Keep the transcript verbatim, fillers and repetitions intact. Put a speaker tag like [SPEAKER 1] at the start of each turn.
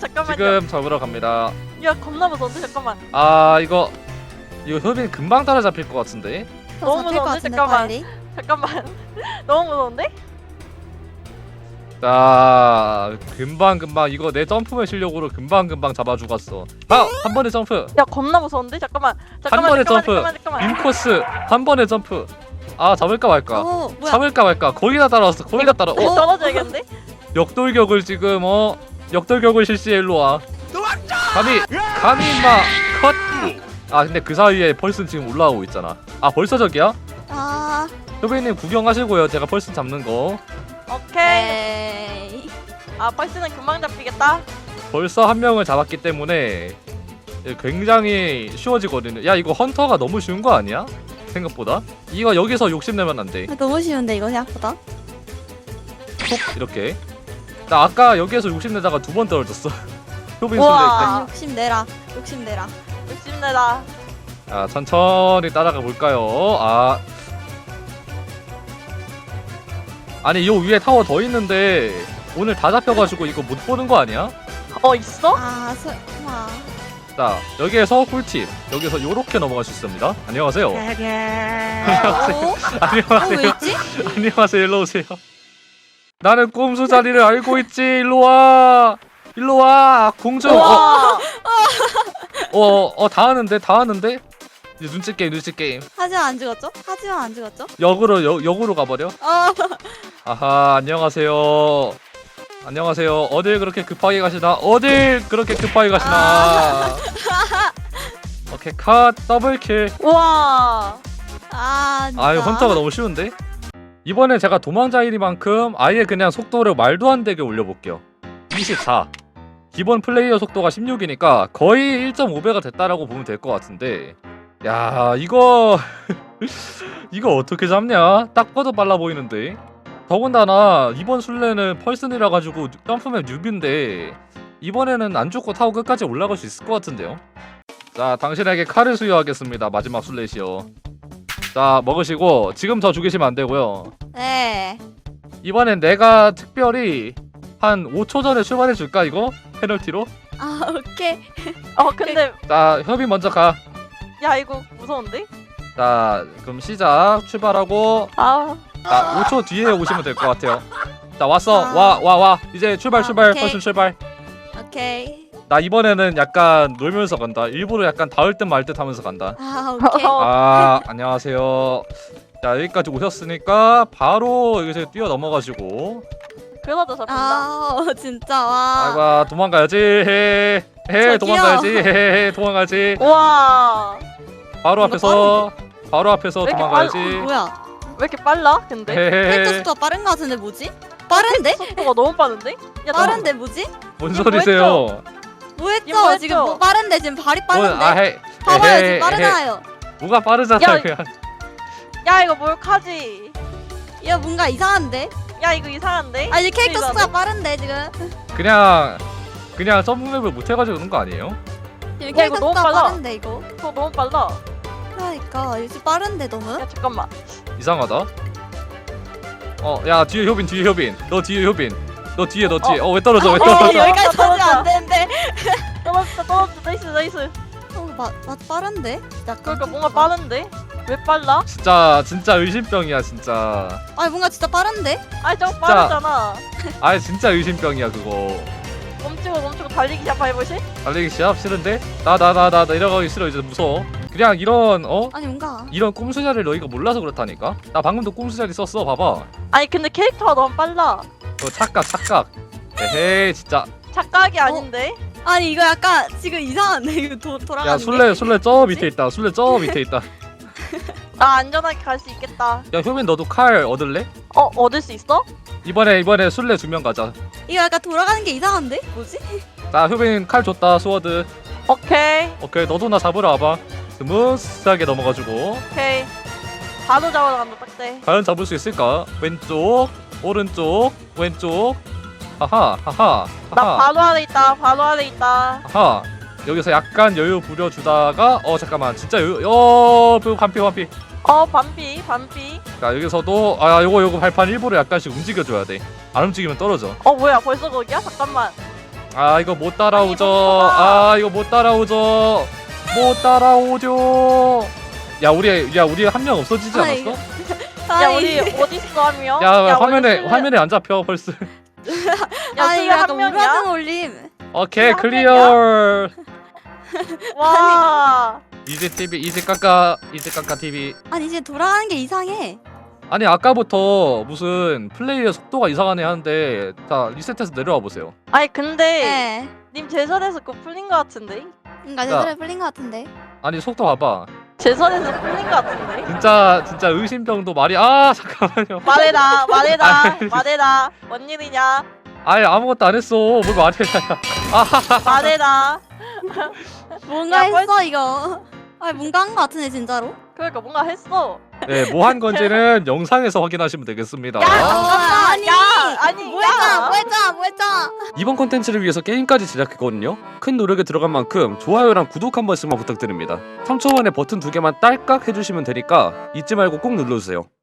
[SPEAKER 1] 잠깐만요.
[SPEAKER 2] 지금 잡으러 갑니다.
[SPEAKER 1] 야 겁나 무서운데 잠깐만.
[SPEAKER 2] 아 이거 이거 효빈 금방 따라잡힐 것 같은데.
[SPEAKER 3] 더
[SPEAKER 1] 너무
[SPEAKER 3] 잡힐 것
[SPEAKER 1] 무서운데?
[SPEAKER 3] 같은데
[SPEAKER 1] 잠깐만.
[SPEAKER 3] 빨리.
[SPEAKER 1] 잠깐만. 너무 무서운데?
[SPEAKER 2] 자 금방 금방 이거 내 점프맨 실력으로 금방 금방 잡아 죽었어. 아한 번에 점프.
[SPEAKER 1] 야 겁나 무서운데? 잠깐만
[SPEAKER 2] 한
[SPEAKER 1] 잠깐만
[SPEAKER 2] 번에
[SPEAKER 1] 잠깐만
[SPEAKER 2] 점프.
[SPEAKER 1] 잠깐만 잠깐만
[SPEAKER 2] 인코스 한 번에 점프. 아 잡을까 말까.
[SPEAKER 3] 오 뭐야?
[SPEAKER 2] 잡을까 말까. 거의 다 따라왔어. 거의 다 따라.
[SPEAKER 1] 어?
[SPEAKER 2] 어
[SPEAKER 1] 떨어져야겠는데?
[SPEAKER 2] 역돌격을 지금 어 역돌격을 실시해 일로 와. 감히 감히 임마 컷. 아 근데 그 사이에 펄슨 지금 올라오고 있잖아. 아 벌써 저기야?
[SPEAKER 3] 아
[SPEAKER 2] 효빈님 구경하시고요. 제가 펄슨 잡는 거.
[SPEAKER 1] 오케이
[SPEAKER 3] 에이.
[SPEAKER 1] 아 펄스는 금방 잡히겠다
[SPEAKER 2] 벌써 한 명을 잡았기 때문에 굉장히 쉬워지거든요. 야 이거 헌터가 너무 쉬운 거 아니야? 생각보다. 이거 여기서 욕심내면 안 돼.
[SPEAKER 3] 아, 너무 쉬운데 이거 생각보다.
[SPEAKER 2] 톡 이렇게. 나 아까 여기에서 욕심내다가 두 번 떨어졌어. 효빈
[SPEAKER 1] 우와.
[SPEAKER 2] 술래.
[SPEAKER 3] 아, 욕심 내라. 욕심 내라.
[SPEAKER 1] 욕심내다
[SPEAKER 2] 자 천천히 따라가 볼까요? 아 아니 요 위에 타워 더 있는데 오늘 다 잡혀가지고 이거 못 보는 거 아니야?
[SPEAKER 1] 어 있어?
[SPEAKER 3] 아 설마.
[SPEAKER 2] 자 여기에서 꿀팁. 여기서 요렇게 넘어갈 수 있습니다. 안녕하세요.
[SPEAKER 3] 오?
[SPEAKER 2] 안녕하세요.
[SPEAKER 3] 어왜 있지?
[SPEAKER 2] 안녕하세요. 일로 오세요. 나는 꼼수 자리를 알고 있지. 일로 와. 일로 와. 공주. 어,
[SPEAKER 1] 우와
[SPEAKER 2] 어, 어, 다 하는데, 다 하는데. 이제 눈치 게임, 눈치 게임.
[SPEAKER 3] 하지만 안 죽었죠? 하지만 안 죽었죠?
[SPEAKER 2] 역으로 역, 역으로 가버려.
[SPEAKER 3] 어.
[SPEAKER 2] 아하, 안녕하세요. 안녕하세요. 어딜 그렇게 급하게 가시나? 어딜 그렇게 급하게 가시나? 오케이, 컷, 더블킬.
[SPEAKER 1] 우와
[SPEAKER 3] 아 진짜.
[SPEAKER 2] 아유, 헌터가 너무 쉬운데? 이번에 제가 도망자이리만큼 아예 그냥 속도를 말도 안 되게 올려볼게요. 이십사. 기본 플레이어 속도가 십육이니까 거의 일 점 오 배가 됐다라고 보면 될 것 같은데, 야 이거 이거 어떻게 잡냐? 딱 봐도 빨라 보이는데. 더군다나 이번 술래는 펄슨이라 가지고 점프맵 뉴비인데 이번에는 안 죽고 타고 끝까지 올라갈 수 있을 것 같은데요. 자 당신에게 칼을 수여하겠습니다. 마지막 술래시여. 자 먹으시고 지금 저 죽이시면 안 되고요.
[SPEAKER 3] 네.
[SPEAKER 2] 이번엔 내가 특별히 한 오 초 전에 출발해 줄까 이거? 페널티로?
[SPEAKER 3] 아 오케이.
[SPEAKER 1] 어 근데
[SPEAKER 2] 자 협이 먼저 가.
[SPEAKER 1] 야 이거 무서운데?
[SPEAKER 2] 자 그럼 시작. 출발하고
[SPEAKER 1] 아
[SPEAKER 2] 자 오 초 뒤에 오시면 될 것 같아요. 자 왔어.
[SPEAKER 3] 아.
[SPEAKER 2] 와 와 와. 이제 출발
[SPEAKER 3] 아,
[SPEAKER 2] 출발.
[SPEAKER 3] 오케이.
[SPEAKER 2] 펄슨 출발.
[SPEAKER 3] 오케이.
[SPEAKER 2] 나 이번에는 약간 놀면서 간다. 일부러 약간 닿을 듯 말 듯 하면서 간다.
[SPEAKER 3] 아 오케이.
[SPEAKER 1] 어.
[SPEAKER 2] 아 안녕하세요. 자 여기까지 오셨으니까 바로 여기서 뛰어 넘어가지고.
[SPEAKER 1] 그러다 잡힌다
[SPEAKER 3] 아 어, 진짜 와.
[SPEAKER 2] 아이고 도망가야지. 헤 헤
[SPEAKER 3] 저기요.
[SPEAKER 2] 도망가야지. 헤 도망가야지.
[SPEAKER 1] 우와
[SPEAKER 2] 바로
[SPEAKER 3] 이거
[SPEAKER 2] 앞에서 바로 앞에서
[SPEAKER 1] 왜 이렇게
[SPEAKER 2] 도망가야지.
[SPEAKER 3] 뭐야?
[SPEAKER 1] 왜 이렇게 빨라 근데?
[SPEAKER 3] 캐릭터
[SPEAKER 2] 헤헤.
[SPEAKER 3] 속도가 빠른 거 같은데 뭐지? 빠른데?
[SPEAKER 1] 속도가 너무 빠른데? 야,
[SPEAKER 3] 빠른데 뭐지?
[SPEAKER 2] 뭔
[SPEAKER 1] 이거
[SPEAKER 2] 소리세요?
[SPEAKER 3] 뭐 했죠?
[SPEAKER 1] 이거 뭐 했죠?
[SPEAKER 3] 지금 뭐 빠른데 지금 발이 빠른데?
[SPEAKER 2] 아 헤.
[SPEAKER 3] 봐봐요
[SPEAKER 2] 헤헤,
[SPEAKER 3] 지금 빠르잖아요.
[SPEAKER 2] 뭐가 빠르잖아
[SPEAKER 1] 야,
[SPEAKER 2] 그냥.
[SPEAKER 1] 야 이거 몰카지
[SPEAKER 3] 야 뭔가 이상한데?
[SPEAKER 1] 야 이거 이상한데?
[SPEAKER 3] 아 이제 캐릭터
[SPEAKER 1] 이상한데?
[SPEAKER 3] 속도가 빠른데 지금?
[SPEAKER 2] 그냥 그냥 점프맵을 못 해가지고 그런 거 아니에요?
[SPEAKER 3] 지금
[SPEAKER 1] 이거
[SPEAKER 3] 캐릭터
[SPEAKER 1] 너무
[SPEAKER 3] 속도가
[SPEAKER 1] 빨라.
[SPEAKER 3] 빠른데 이거?
[SPEAKER 1] 저 너무 빨라
[SPEAKER 3] 그러니까 이제 빠른데 너무?
[SPEAKER 1] 야 잠깐만
[SPEAKER 2] 이상하다. 어, 야 뒤에 효빈, 뒤에 효빈. 너 뒤에 효빈. 너 뒤에, 너 뒤에. 어, 왜 떨어져? 왜
[SPEAKER 3] 어,
[SPEAKER 2] 떨어져?
[SPEAKER 3] 여기까지
[SPEAKER 1] 떨어져.
[SPEAKER 3] 터지면 안 되는데.
[SPEAKER 1] 떨어졌다 떨어졌다 나이스 나이스
[SPEAKER 3] 어, 맞, 맞 빠른데? 약간
[SPEAKER 1] 그러니까
[SPEAKER 3] 좀-
[SPEAKER 1] 뭔가 빠른데? 왜 빨라?
[SPEAKER 2] 진짜 진짜 의심병이야 진짜.
[SPEAKER 3] 아니 뭔가 진짜 빠른데?
[SPEAKER 1] 아니 저거 빠르잖아
[SPEAKER 2] 아 진짜 의심병이야 그거.
[SPEAKER 1] 멈추고 멈추고 달리기 시합 해보실?
[SPEAKER 2] 달리기 시합 싫은데? 나 나 나 나 내려가기 싫어 이제 무서워. 그냥 이런 어
[SPEAKER 3] 아니 뭔가
[SPEAKER 2] 이런 꼼수자리를 너희가 몰라서 그렇다니까. 나 방금도 꼼수자리 썼어 봐봐.
[SPEAKER 1] 아니 근데 캐릭터가 너무 빨라
[SPEAKER 2] 너 착각 착각. 에헤이 진짜.
[SPEAKER 1] 착각이 아닌데?
[SPEAKER 3] 아니 이거 약간 지금 이상한데 이거 도, 돌아가는
[SPEAKER 2] 야
[SPEAKER 3] 게?
[SPEAKER 2] 술래 술래 저 밑에 있다. 술래 저 밑에 있다.
[SPEAKER 1] 나 안전하게 갈 수 있겠다
[SPEAKER 2] 야 효빈 너도 칼 얻을래?
[SPEAKER 1] 어 얻을 수 있어?
[SPEAKER 2] 이번에 이번에 술래 두 명 가자.
[SPEAKER 3] 이거 약간 돌아가는 게 이상한데? 뭐지?
[SPEAKER 2] 자 효빈 칼 줬다 스워드.
[SPEAKER 1] 오케이
[SPEAKER 2] 오케이 너도 나 잡으러 와봐. 스무스하게 넘어가지고.
[SPEAKER 1] 오케이 바로 잡아러 간다 딱대
[SPEAKER 2] 과연 잡을 수 있을까? 왼쪽 오른쪽 왼쪽. 하하 하하
[SPEAKER 1] 나
[SPEAKER 2] 하하
[SPEAKER 1] 바로 아래 있다 바로 아래 있다
[SPEAKER 2] 하하. 여기서 약간 여유 부려주다가 어 잠깐만 진짜 여유 어 그 반피 반피.
[SPEAKER 1] 어 반피 반피
[SPEAKER 2] 자 여기서도 아 요거 요거 발판 일부러 약간씩 움직여줘야 돼. 안 움직이면 떨어져.
[SPEAKER 1] 어 뭐야 벌써 거기야? 잠깐만
[SPEAKER 2] 아 이거 못 따라오죠.
[SPEAKER 1] 아니, 멈춰봐.
[SPEAKER 2] 아 이거 못 따라오죠. 못 따라오죠. 야 우리 야 우리 한 명 없어지지
[SPEAKER 3] 아이,
[SPEAKER 2] 않았어?
[SPEAKER 1] 야
[SPEAKER 3] 아니,
[SPEAKER 1] 우리 어딨어 하며
[SPEAKER 2] 야, 화면에
[SPEAKER 1] 우리 술래-
[SPEAKER 2] 화면에 안 잡혀 벌써.
[SPEAKER 1] 야
[SPEAKER 3] 아니
[SPEAKER 1] 그게
[SPEAKER 3] 이거
[SPEAKER 1] 한
[SPEAKER 3] 약간
[SPEAKER 1] 명이야?
[SPEAKER 3] 우라등 올림.
[SPEAKER 2] 오케이
[SPEAKER 1] 한
[SPEAKER 2] 클리어.
[SPEAKER 1] 와.
[SPEAKER 2] 이제 티비 이제 깎아 이제 깎아 티비.
[SPEAKER 3] 아니 이제 돌아가는 게 이상해.
[SPEAKER 2] 아니 아까부터 무슨 플레이의 속도가 이상하네 하는데 자 리셋해서 내려와 보세요.
[SPEAKER 1] 아니 근데
[SPEAKER 3] 네.
[SPEAKER 1] 님 제선에서 그거 풀린 거 같은데?
[SPEAKER 3] 그러니까
[SPEAKER 2] 자.
[SPEAKER 3] 제대로 풀린 것 같은데.
[SPEAKER 2] 아니 속도 봐봐.
[SPEAKER 1] 제선에서 풀린 거 같은데?
[SPEAKER 2] 진짜 진짜 의심병도 말이 아 잠깐만요.
[SPEAKER 1] 말해라 말해라
[SPEAKER 2] 아니.
[SPEAKER 1] 말해라 뭔 일이냐
[SPEAKER 2] 아예 아무것도 안 했어. 뭘 말해라.
[SPEAKER 1] 말해라.
[SPEAKER 3] 뭔가
[SPEAKER 1] 야,
[SPEAKER 3] 했어 이거. 아니 뭔가 한 것 같은데 진짜로.
[SPEAKER 1] 그러니까 뭔가 했어.
[SPEAKER 2] 네, 뭐 한 건지는 영상에서 확인하시면 되겠습니다.
[SPEAKER 1] 야,
[SPEAKER 3] 아,
[SPEAKER 1] 아니, 야, 아니,
[SPEAKER 3] 뭐 했잖아
[SPEAKER 1] 야.
[SPEAKER 3] 뭐 했잖아 뭐 했잖아.
[SPEAKER 2] 이번 콘텐츠를 위해서 게임까지 제작했거든요. 큰 노력이 들어간 만큼 좋아요랑 구독 한 번씩만 부탁드립니다. 삼 초 만에 버튼 두 개만 딸깍 해주시면 되니까 잊지 말고 꼭 눌러주세요.